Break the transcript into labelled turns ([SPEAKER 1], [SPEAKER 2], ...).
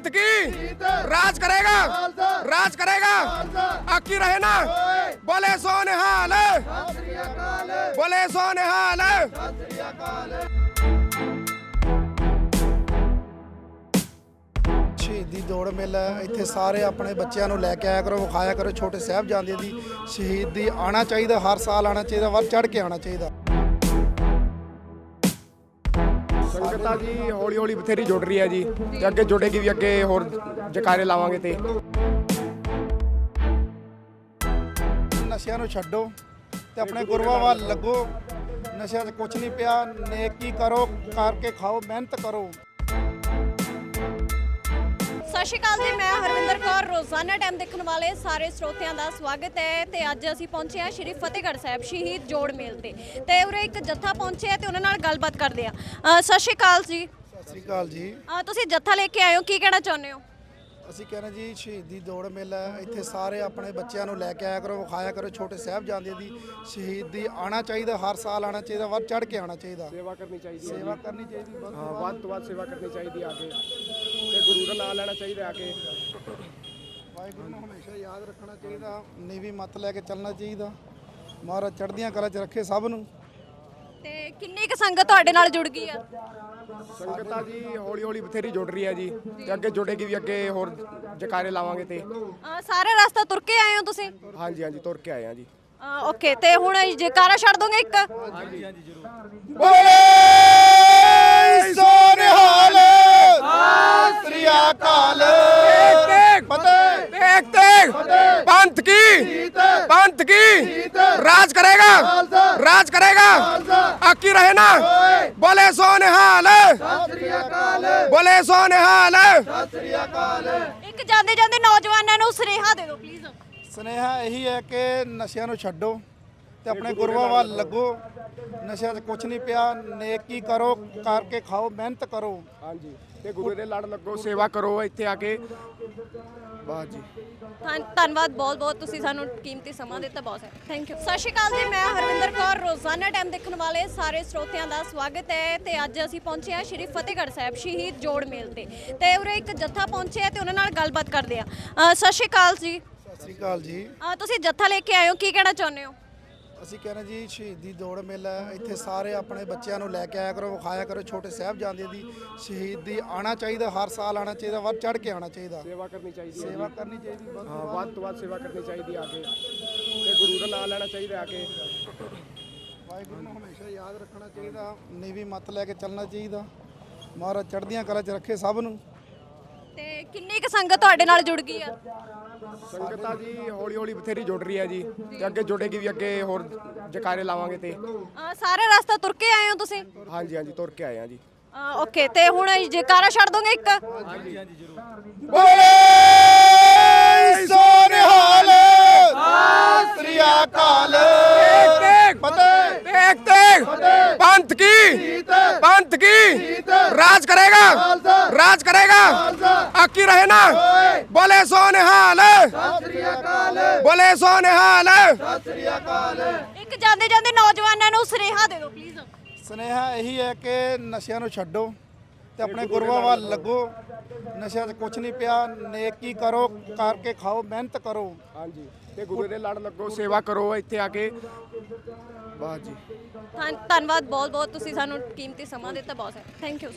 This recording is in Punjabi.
[SPEAKER 1] पंथ की राज करेगा, राज करेगा, आकी रहे ना। बोले सो निहाल, बोले सो निहाल।
[SPEAKER 2] ਸ਼ਹੀਦੀ ਦੌੜ ਮੇਲਾ ਇੱਥੇ ਸਾਰੇ ਆਪਣੇ ਬੱਚਿਆਂ ਨੂੰ ਲੈ ਕੇ ਆਇਆ ਕਰੋ, ਵਿਖਾਇਆ ਕਰੋ ਛੋਟੇ ਸਾਹਿਬਜ਼ਾਦੇ ਦੀ ਸ਼ਹੀਦੀ। ਆਉਣਾ ਚਾਹੀਦਾ, ਹਰ ਸਾਲ ਆਉਣਾ ਚਾਹੀਦਾ, ਵੱਧ ਚੜ੍ਹ ਕੇ ਆਉਣਾ ਚਾਹੀਦਾ।
[SPEAKER 1] ਸੰਗਤਾਂ ਜੀ ਹੌਲੀ ਹੌਲੀ ਬਥੇਰੀ ਜੁੜ ਰਹੀ ਹੈ ਜੀ, ਤੇ ਅੱਗੇ ਜੁੜੇਗੀ ਵੀ, ਅੱਗੇ ਹੋਰ ਜਕਾਰੇ ਲਾਵਾਂਗੇ। ਤੇ
[SPEAKER 2] ਨਸ਼ਿਆਂ ਨੂੰ ਛੱਡੋ ਤੇ ਆਪਣੇ ਗੁਰੂਆਂ ਵੱਲ ਲੱਗੋ। ਨਸ਼ਿਆਂ 'ਚ ਕੁਝ ਨਹੀਂ ਪਿਆ, ਨੇਕੀ ਕਰੋ, ਕਰਕੇ ਖਾਓ, ਮਿਹਨਤ ਕਰੋ।
[SPEAKER 3] ਸਤਿ ਸ਼੍ਰੀ ਅਕਾਲ ਜੀ, ਮੈਂ ਹਰਵਿੰਦਰ ਕੌਰ। ਰੋਜ਼ਾਨਾ ਟਾਈਮ ਦੇਖਣ ਵਾਲੇ ਸਾਰੇ ਸਰੋਤਿਆਂ ਦਾ ਸਵਾਗਤ ਹੈ। ਤੇ ਅੱਜ ਅਸੀਂ ਪਹੁੰਚੇ ਹਾਂ ਸ਼੍ਰੀ ਫਤਿਹਗੜ੍ਹ ਸਾਹਿਬ ਸ਼ਹੀਦ ਜੋੜ ਮੇਲ ਤੇ ਉਰੇ ਇੱਕ ਜੱਥਾ ਪਹੁੰਚਿਆ ਤੇ ਉਹਨਾਂ ਨਾਲ ਗੱਲਬਾਤ ਕਰਦੇ ਆ। ਸਤਿ ਸ਼੍ਰੀ ਅਕਾਲ ਜੀ।
[SPEAKER 2] ਸਤਿ ਸ੍ਰੀ ਅਕਾਲ ਜੀ।
[SPEAKER 3] ਤੁਸੀਂ ਜੱਥਾ ਲੈ ਕੇ ਆਏ ਹੋ, ਕੀ ਕਹਿਣਾ ਚਾਹੁੰਦੇ ਹੋ?
[SPEAKER 2] ਅਸੀਂ ਕਹਿੰਦੇ ਜੀ ਸ਼ਹੀਦੀ ਦੌੜ ਮੇਲਾ ਇੱਥੇ ਸਾਰੇ ਆਪਣੇ ਬੱਚਿਆਂ ਨੂੰ ਲੈ ਕੇ ਆਇਆ ਕਰੋ, ਵਿਖਾਇਆ ਕਰੋ ਛੋਟੇ ਸਾਹਿਬਜ਼ਾਦੇ ਦੀ ਸ਼ਹੀਦੀ। ਆਉਣਾ ਚਾਹੀਦਾ, ਹਰ ਸਾਲ ਆਉਣਾ ਚਾਹੀਦਾ, ਵੱਧ ਚੜ੍ਹ ਕੇ ਆਉਣਾ ਚਾਹੀਦਾ।
[SPEAKER 1] ਸੇਵਾ ਕਰਨੀ ਚਾਹੀਦੀ ਹੈ,
[SPEAKER 2] ਸੇਵਾ ਕਰਨੀ ਚਾਹੀਦੀ,
[SPEAKER 1] ਹਾਂ ਵੱਧ ਤੋਂ ਵੱਧ ਸੇਵਾ ਕਰਨੀ ਚਾਹੀਦੀ ਆ ਕੇ, ਤੇ ਗੁਰੂ ਦਾ ਨਾਮ ਲੈਣਾ ਚਾਹੀਦਾ ਆ ਕੇ।
[SPEAKER 2] ਵਾਹਿਗੁਰੂ ਨੂੰ ਹਮੇਸ਼ਾ ਯਾਦ ਰੱਖਣਾ ਚਾਹੀਦਾ, ਨੀਵੀਂ ਮੱਤ ਲੈ ਕੇ ਚੱਲਣਾ ਚਾਹੀਦਾ। ਮਹਾਰਾਜ ਚੜ੍ਹਦੀਆਂ ਕਲਾ 'ਚ ਰੱਖੇ ਸਭ ਨੂੰ।
[SPEAKER 3] ਤੇ ਕਿੰਨੀ ਕੁ ਸੰਗਤ ਤੁਹਾਡੇ ਨਾਲ ਜੁੜ ਗਈ ਆ?
[SPEAKER 1] ਸੰਗਤਾਂ ਜੀ ਹੌਲੀ ਹੌਲੀ ਬਥੇਰੀ ਜੁੜ ਰਹੀ ਹੈ ਜੀ, ਤੇ ਅੱਗੇ ਜੁੜੇਗੀ ਵੀ, ਅੱਗੇ ਹੋਰ ਜਕਾਰੇ ਲਾਵਾਂਗੇ। ਤੇ
[SPEAKER 3] ਸਾਰੇ ਰਸਤਾ ਤੁਰ ਕੇ ਆਏ ਹੋ ਤੁਸੀਂ?
[SPEAKER 1] ਹਾਂਜੀ ਹਾਂਜੀ ਤੁਰ ਕੇ ਆਏ ਹਾਂ ਜੀ।
[SPEAKER 3] ਓਕੇ, ਤੇ ਹੁਣ ਜੈਕਾਰਾ ਛੱਡ ਦੋਗੇ ਇੱਕ?
[SPEAKER 2] ਬੋਲੇ ਸੋ ਨਿਹਾਲ, ਸਤਿ ਸ੍ਰੀ ਅਕਾਲ।
[SPEAKER 1] तेग तेग पंथ की राज करेगा, राज करेगा, आकी रहे ना। बोले सो निहाल, बोले सो निहाल।
[SPEAKER 3] ਇੱਕ ਜਾਂਦੇ ਜਾਂਦੇ ਨੌਜਵਾਨਾਂ ਨੂੰ ਸੁਨੇਹਾ ਦੇ ਦਿਓ ਪਲੀਜ਼।
[SPEAKER 2] ਸੁਨੇਹਾ ਇਹੀ ਹੈ ਕਿ ਨਸ਼ਿਆਂ ਨੂੰ ਛੱਡੋ ਤੇ ਆਪਣੇ ਗੁਰੂਆਂ ਵੱਲ ਲੱਗੋ। ਨਸ਼ਿਆਂ 'ਚ ਕੁਝ ਨਹੀਂ ਪਿਆ, ਨੇਕੀ ਕਰੋ, ਕਰਕੇ ਖਾਓ, ਮਿਹਨਤ ਕਰੋ।
[SPEAKER 1] ਹਾਂਜੀ, ਤੇ ਗੁਰੂ ਦੇ ਲੜ ਲੱਗੋ, ਸੇਵਾ ਕਰੋ ਇੱਥੇ ਆ ਕੇ। ਵਾਹ ਜੀ,
[SPEAKER 3] ਧੰਨਵਾਦ ਬਹੁਤ ਬਹੁਤ, ਤੁਸੀਂ ਸਾਨੂੰ ਕੀਮਤੀ ਸਮਾਂ ਦਿੱਤਾ, ਬਹੁਤ ਹੈ, ਥੈਂਕ ਯੂ। ਸਤਿ ਸ਼੍ਰੀ ਅਕਾਲ ਜੀ, ਮੈਂ ਹਰਵਿੰਦਰ ਕੌਰ। ਰੋਜ਼ਾਨਾ ਟਾਈਮ ਦੇਖਣ ਵਾਲੇ ਸਾਰੇ ਸਰੋਤਿਆਂ ਦਾ ਸਵਾਗਤ ਹੈ। ਤੇ ਅੱਜ ਅਸੀਂ ਪਹੁੰਚੇ ਹਾਂ ਸ਼੍ਰੀ ਫਤਿਹਗੜ੍ਹ ਸਾਹਿਬ ਸ਼ਹੀਦ ਜੋੜ ਮੇਲ ਤੇ ਉਰੇ ਇੱਕ ਜੱਥਾ ਪਹੁੰਚਿਆ ਤੇ ਉਹਨਾਂ ਨਾਲ ਗੱਲਬਾਤ ਕਰਦੇ ਆ। ਸਤਿ ਸ਼੍ਰੀ ਅਕਾਲ ਜੀ।
[SPEAKER 2] ਸਤਿ ਸ੍ਰੀ ਅਕਾਲ ਜੀ।
[SPEAKER 3] ਤੁਸੀਂ ਜੱਥਾ ਲੈ ਕੇ ਆਏ ਹੋ, ਕੀ ਕਹਿਣਾ ਚਾਹੁੰਦੇ ਹੋ?
[SPEAKER 2] ਅਸੀਂ ਕਹਿੰਦੇ ਜੀ ਸ਼ਹੀਦੀ ਦੌੜ ਮੇਲਾ ਇੱਥੇ ਸਾਰੇ ਆਪਣੇ ਬੱਚਿਆਂ ਨੂੰ ਲੈ ਕੇ ਆਇਆ ਕਰੋ, ਵਿਖਾਇਆ ਕਰੋ ਛੋਟੇ ਸਾਹਿਬਜ਼ਾਦੇ ਦੀ ਸ਼ਹੀਦੀ। ਆਉਣਾ ਚਾਹੀਦਾ, ਹਰ ਸਾਲ ਆਉਣਾ ਚਾਹੀਦਾ, ਵੱਧ ਚੜ੍ਹ ਕੇ ਆਉਣਾ ਚਾਹੀਦਾ।
[SPEAKER 1] ਸੇਵਾ ਕਰਨੀ ਚਾਹੀਦੀ ਹੈ,
[SPEAKER 2] ਸੇਵਾ ਕਰਨੀ ਚਾਹੀਦੀ,
[SPEAKER 1] ਹਾਂ ਵੱਧ ਤੋਂ ਵੱਧ ਸੇਵਾ ਕਰਨੀ ਚਾਹੀਦੀ ਆ ਕੇ, ਤੇ ਗੁਰੂ ਦਾ ਨਾਮ ਲੈਣਾ ਚਾਹੀਦਾ ਆ ਕੇ।
[SPEAKER 2] ਵਾਹਿਗੁਰੂ ਨੂੰ ਹਮੇਸ਼ਾ ਯਾਦ ਰੱਖਣਾ ਚਾਹੀਦਾ, ਨੀਵੀਂ ਮੱਤ ਲੈ ਕੇ ਚੱਲਣਾ ਚਾਹੀਦਾ। ਮਹਾਰਾਜ ਚੜ੍ਹਦੀਆਂ ਕਲਾ 'ਚ ਰੱਖੇ ਸਭ ਨੂੰ।
[SPEAKER 3] ਤੇ ਕਿੰਨੀ ਕੁ ਸੰਗਤ ਤੁਹਾਡੇ ਨਾਲ ਜੁੜ ਗਈ ਆ?
[SPEAKER 1] ਸੰਗਤਾਂ ਜੀ ਹੌਲੀ ਹੌਲੀ ਬਥੇਰੀ ਜੁੜ ਰਹੀ ਹੈ ਜੀ, ਤੇ ਅੱਗੇ ਜੁੜੇਗੀ ਵੀ, ਅੱਗੇ ਹੋਰ ਜਕਾਰੇ ਲਾਵਾਂਗੇ। ਤੇ
[SPEAKER 3] ਸਾਰੇ ਰਸਤਾ ਤੁਰ ਕੇ ਆਏ ਹੋ ਤੁਸੀਂ?
[SPEAKER 1] ਹਾਂਜੀ ਹਾਂਜੀ ਤੁਰ ਕੇ ਆਏ ਹਾਂ ਜੀ।
[SPEAKER 3] ਓਕੇ, ਤੇ ਹੁਣ ਜੈਕਾਰਾ ਛੱਡ ਦੋਗੇ ਇੱਕ?
[SPEAKER 1] ਹਾਂਜੀ ਹਾਂਜੀ ਜ਼ਰੂਰ।
[SPEAKER 2] ਬੋਲੇ ਸੋ ਨਿਹਾਲ, ਸਤਿ ਸ੍ਰੀ ਅਕਾਲ।
[SPEAKER 1] तेग तेग पंथ की राज करेगा, राज करेगा, आकी रहे ना। बोले सो निहाल, बोले सो निहाल।
[SPEAKER 3] ਇੱਕ ਜਾਂਦੇ ਜਾਂਦੇ ਨੌਜਵਾਨਾਂ ਨੂੰ ਸੁਨੇਹਾ ਦੇ ਦਿਓ ਪਲੀਜ਼।
[SPEAKER 2] ਸੁਨੇਹਾ ਇਹੀ ਹੈ ਕਿ ਨਸ਼ਿਆਂ ਨੂੰ ਛੱਡੋ ਤੇ ਆਪਣੇ ਗੁਰੂਆਂ ਵੱਲ ਲੱਗੋ। ਨਸ਼ਿਆਂ 'ਚ ਕੁਝ ਨਹੀਂ ਪਿਆ, ਨੇਕੀ ਕਰੋ, ਕਰਕੇ ਖਾਓ, ਮਿਹਨਤ ਕਰੋ।
[SPEAKER 1] ਹਾਂਜੀ, ਤੇ ਗੁਰੂ ਦੇ ਲੜ ਲੱਗੋ, ਸੇਵਾ ਕਰੋ ਇੱਥੇ ਆ ਕੇ। ਵਾਹ ਜੀ,
[SPEAKER 3] ਧੰਨਵਾਦ ਬਹੁਤ ਬਹੁਤ, ਤੁਸੀਂ ਸਾਨੂੰ ਕੀਮਤੀ ਸਮਾਂ ਦਿੱਤਾ, ਬਹੁਤ ਹੈ, ਥੈਂਕ ਯੂ।